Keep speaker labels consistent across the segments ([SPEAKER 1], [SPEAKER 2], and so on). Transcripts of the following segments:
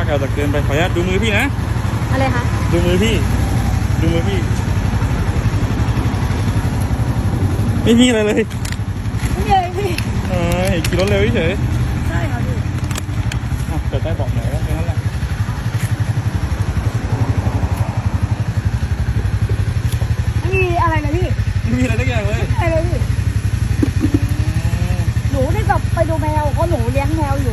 [SPEAKER 1] แถวตักเกินไปขออนุญาตดูมือพี่นะ
[SPEAKER 2] อะไรคะ
[SPEAKER 1] ดูมือพี่ไม่มีอะไรเลย
[SPEAKER 2] ไม่มีอะไรพี่
[SPEAKER 1] ขี่รถเร็วเฉย
[SPEAKER 2] ใช่ค่ะพี่
[SPEAKER 1] เปิดใต้เบาะหน่อยก็แค่นั้นแหละ
[SPEAKER 2] ไม่มีอะไรเลยพี่
[SPEAKER 1] ไม่มีอะไรสักอย่างเลย
[SPEAKER 2] อะไรเลยพี่หนูได้กลับไปดูแมวเพราะหนูเลี้ยงแมวอยู่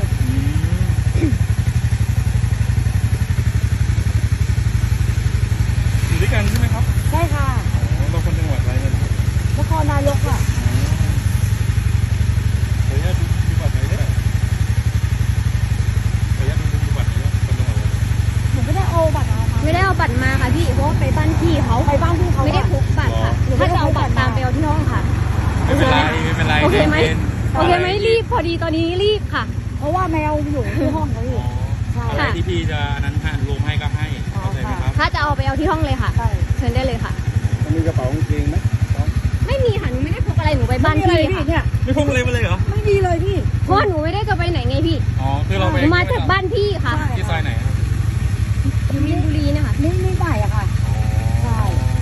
[SPEAKER 1] อยู่ด้วยกันใช่ไหมครับ
[SPEAKER 2] ใช่ค่ะ
[SPEAKER 1] เราคนจังหวัดอะไรเนี่ย
[SPEAKER 2] นครนายกค่ะ
[SPEAKER 1] ขออนุญาตดูบัตรหน่อยได้ไหมขออนุญาตดูบัตรหน่อยคนจังหวัดอะไร
[SPEAKER 2] หนูไม่ได้เอาบัตรมา
[SPEAKER 3] ไม่ได้เอาบัตรมาค่ะพี่เพราะว่าไปบ้านพี่เขา
[SPEAKER 2] ไปบ้านพี่เขา
[SPEAKER 3] ไม่ได้พกบัตรค่ะถ้าจะเอาบัตรตามไปเอาที่ห้องค่ะ
[SPEAKER 1] ไม่เป็นไร
[SPEAKER 3] โอเคไหมรีบพอดีตอนนี้รีบค่ะ
[SPEAKER 2] เพราะว่าแมวอยู่ที่ห้องเขาอยู่
[SPEAKER 1] อะไรที่พี่จะนั้นให้รวมให้ก็ให้เข้าใจไหมครับ
[SPEAKER 3] ถ้าจะเอาไปเอาที่ห้องเลยค่ะเชิญได้เลยค่ะ
[SPEAKER 4] มีกระเป๋ากางเกงไหม
[SPEAKER 3] ไม่มีค่ะหนูไม่ได้พกอะไรหนูไปบ้านพี่
[SPEAKER 2] ค่ะ
[SPEAKER 1] ไม่พกอะไรมาเลยเหรอ
[SPEAKER 2] ไม่มีเลยพี่
[SPEAKER 3] เพราะหนูไม่ได้จะไปไหนไงพี่
[SPEAKER 1] คือเราไป
[SPEAKER 3] มาจากบ้านพี่ค่ะ
[SPEAKER 1] ที่ซอยไหน
[SPEAKER 3] อยู่มินบุรีนะคะ
[SPEAKER 2] ไม่ได้อะค่ะใช่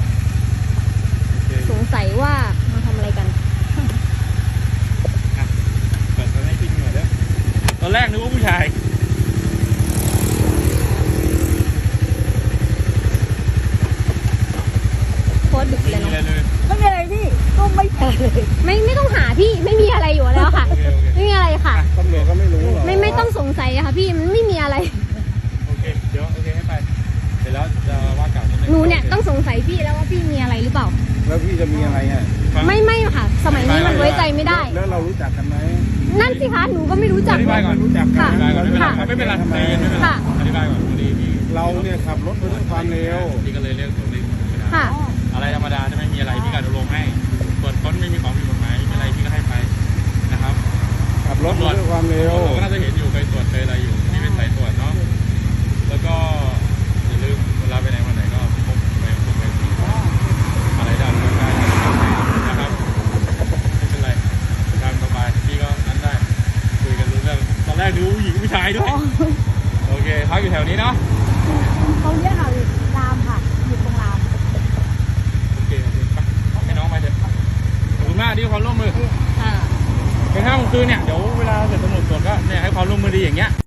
[SPEAKER 3] สงสัยว่ามาทำอะไรกัน
[SPEAKER 1] เปิดให้พี่หน่อยเด้อตอนแรกนึกว่าผู้ชาย
[SPEAKER 3] โคตรดึกเลยเนาะ
[SPEAKER 2] ไม่มีอะไรพี่ก็ไม่เจอเลย
[SPEAKER 3] ไม่ต้องหาพี่ไม่มีอะไรอยู่แล้วค่ะไม่มีอะไรค่ะ
[SPEAKER 4] ตำรวจก็ไม่รู้หรอ
[SPEAKER 3] ไม่ต้องสงสัยอะค่ะพี่มันไม่มีอะไร
[SPEAKER 1] โอเคเดี๋ยวโอเคให้ไปเสร็จแล้วจะว่ากล่าว
[SPEAKER 3] หนูเนี่ยต้องสงสัยพี่แล้วว่าพี่มีอะไรหรือเปล่า
[SPEAKER 4] แล้วพี่จะมีอะไรอ่ะ
[SPEAKER 3] ไม่ค่ะสมัยนี้มันไว้ใจไม่ได้
[SPEAKER 4] แล้วเรารู้จักกันไหม
[SPEAKER 3] นั่นสิคะหนูก็ไม่รู้จัก
[SPEAKER 1] อธิบายก่อน
[SPEAKER 4] รู้จักกัน
[SPEAKER 1] ไม่เป็นไรอธิบายก่อน
[SPEAKER 4] เราเนี่ยขับรถด้วยความเร็ว
[SPEAKER 1] พี่ก็เลยเรียกตัวเลข
[SPEAKER 3] ค่ะ
[SPEAKER 1] อะไรธรรมดาจะไม่มีอะไรพี่ก็อนุโลมให้ตรวจค้นไม่มีของผิดกฎหมายไม่อะไรพี่ก็ให้ไปนะครับ
[SPEAKER 4] ขับรถด้วยความเร็ว
[SPEAKER 1] ก็น่าจะเห็นอยู่เคยตรวจเคยอะไรอยู่นี่เป็นสายตรวจเนาะแล้วก็อย่าลืมเวลาไปไหนมาไหนก็พกไปอะไรได้นะครับไม่เป็นไรตามสบายพี่ก็นั้นได้คุยกันรู้เรื่องตอนแรกดูผู้หญิงผู้ชายด้วยโอเคพักอยู่แถวนี้เนาะ
[SPEAKER 2] เขาเรียกอะไรรามค่ะอยู่ตรงราม
[SPEAKER 1] โอเคไปให้น้องไปเถอะขอบคุณมากที่ความร่วมมือ
[SPEAKER 3] ค่ะ
[SPEAKER 1] ใน5 โมงคืนเนี่ยเดี๋ยวเวลาเสร็จตำรวจตรวจก็เนี่ยให้ความร่วมมือดีอย่างเงี้ย